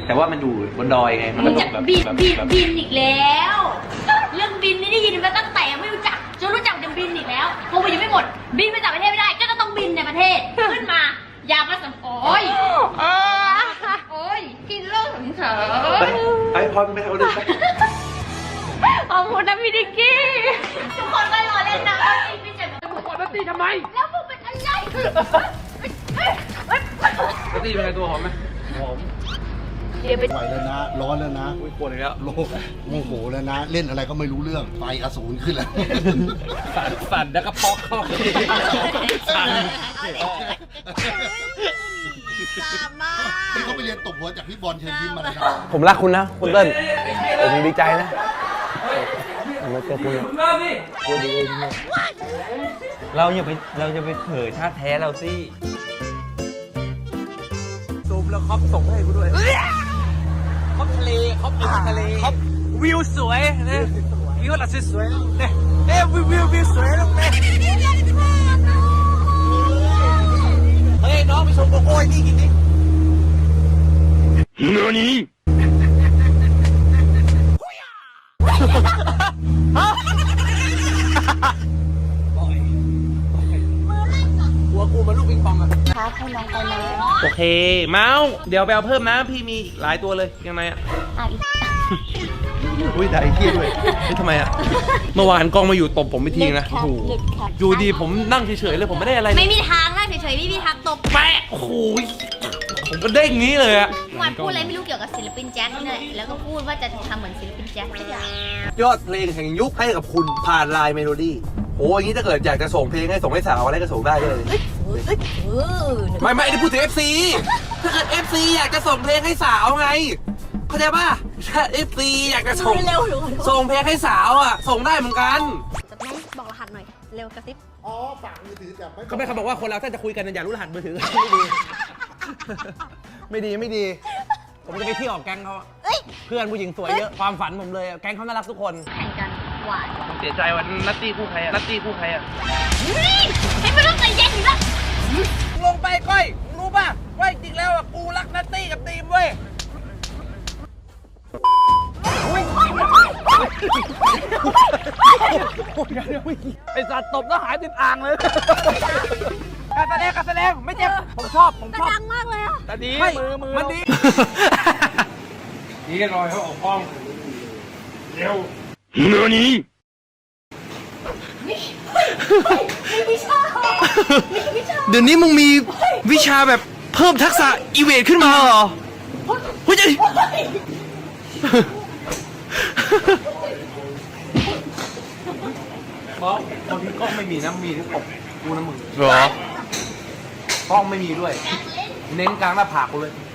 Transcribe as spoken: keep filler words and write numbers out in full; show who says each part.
Speaker 1: แต่ว่ามันอยู่บนดอยไงมันก็ต้องแบบ
Speaker 2: บิน
Speaker 1: แบบ
Speaker 2: บิน
Speaker 1: แบบ
Speaker 2: บินอีกแล้ว เรื่องบินนี่ได้ยินมาตั้งแต่ไม่รู้จักจนรู้จักจะบินอีกแล้วโควิดยังไม่หมดบินไปต่างประเทศไม่ได้ก็ต้องบินในประเทศขึ้นมาอย่ามาสัมโอ้ยโอ้ยกินเหล้าถึงเถอะ
Speaker 1: ไอ้พอไม่เอาเลย
Speaker 2: ขอบคุณนะพี่ดิกกี้ทุกคนก็รอเล่นนะว่าตีไม่เจ็บทุกคนตีทำไมแล้วมึงเป็นอะไร
Speaker 1: แล้วตีเป็นไงตัวหอมไหมหอม
Speaker 2: เดี๋ยวไป
Speaker 3: ไหวแล้วนะ ร้อนแล้วนะ
Speaker 1: อุ้ยปวดอีกแล้ว
Speaker 3: โลกโมโหแล้วนะ เล่นอะไรก็ไม่รู้เรื่องไฟอสูรขึ้นแล้ว
Speaker 1: สั่นสั่นแล้วก็พอกเข้าสั่น
Speaker 3: นี่เขาไปเรียนตบหัวจากพี่บอลเชิญยิ้มมาเลยนะ
Speaker 4: ผมรักคุณนะคุณเติ้ลผมดีใจนะผมมาเจอคุณพูดดีเลยเราอย่าไปเราจะไปเผยชาติแท้เราสิซูมแล้วครอบส่งให้กูด้วยครอบทะเลครอบทะเลครอบวิวสวยนะวิวหลักสวยเนี่ยเอ้วิววิววิวสวยลงเลยเฮ้ยน้องไปชมโกโก้นี่กินดิ何หัวกูมันลูกปิงปองอะครับให้น้องไปนะโอเคเมาส์เดี๋ยวไปเอาเพิ่มนะพี่มีหลายตัวเลยยังไงอะอุ้ยด่าไอ้เหี้ยด้วยนี่ทำไมอะเมื่อวานกล้องมาอยู่ตบผมไปทีนะโอ้โหอยู่ดีผมนั่งเฉยๆเลยผมไม่ได้อะไร
Speaker 2: ไม่มีทางนะเฉยๆไม่มีทางตบ
Speaker 4: แปะโอ้โหผมก็เด้งงี้เลยอะ
Speaker 2: วันพูดอะไรไม่รู้เกี่ยวกับศิลปินแจ็คนี่แหละแล้วก็พูดว่าจะทำเหมือนศิลปินแจ็คทุกอย่าง
Speaker 4: ยอดเพลงแห่งยุคให้กับคุณผ่านไลน์เมโลดี้โอ้ยงี้ถ้าเกิดอยากจะส่งเพลงให้ส่งให้สาวอะไรก็ส่งได้เลยไม่ไม่ได้พูดถึง เอฟ ซี ถ้าเกิด เอฟ ซี อยากจะส่งเพลงให้สาวไงเข้าใจป่ะถ้า เอฟ ซี อยากจะส่งส่งเพลงให้สาวอ่ะส่งได้เหมือนกัน
Speaker 2: จะแม่บอกรหัสหน่อยเร็วกระซิบ
Speaker 3: อ๋อฝากมือถือแต่ไม่
Speaker 4: เขาไม่เขาบอกว่าคนเราถ้าจะคุยกันอย่ารู้รหัสมือถือ ไม่ดีไม่ดี ผมจะไปเที่ยวกับแก๊งเขาเพื่อนผู้หญิงสวยเยอะความฝันผมเลยแก๊งเขาน่ารักทุกคน
Speaker 2: แข่งกันหวาน
Speaker 1: ผมเสียใจวันนัตตี้คู่ใครอะนัตตี้คู่ใครอะ
Speaker 2: ให้ไม่ต้องใจเย็นอยู่แล้ว
Speaker 4: ลงไปก้อยรู้ป่ะว่าจริงแล้วกูรักนัตตี้กับทีมเว้ยไอสัตว์ตบแล้วหายติดอ่างเลยการแสดงการแสดงไม่เจ็บผมชอบผมชอบ
Speaker 2: ดังมากเลยอ่ะ
Speaker 1: แต่ดี
Speaker 4: มือมือมันดี
Speaker 1: นี่รอยเขาออกกล้องเร็ว何เดี๋ยวนี้มึงมีวิชาแบบเพิ่มทักษะอีเวทขึ้นมาเหรอเฮ้ยบอกบางทีกล้องไม่มีนะมีที่ตบกูนะมึงเหรอกล้องไม่มีด้วย เน้นกลางหน้าผากกูเลย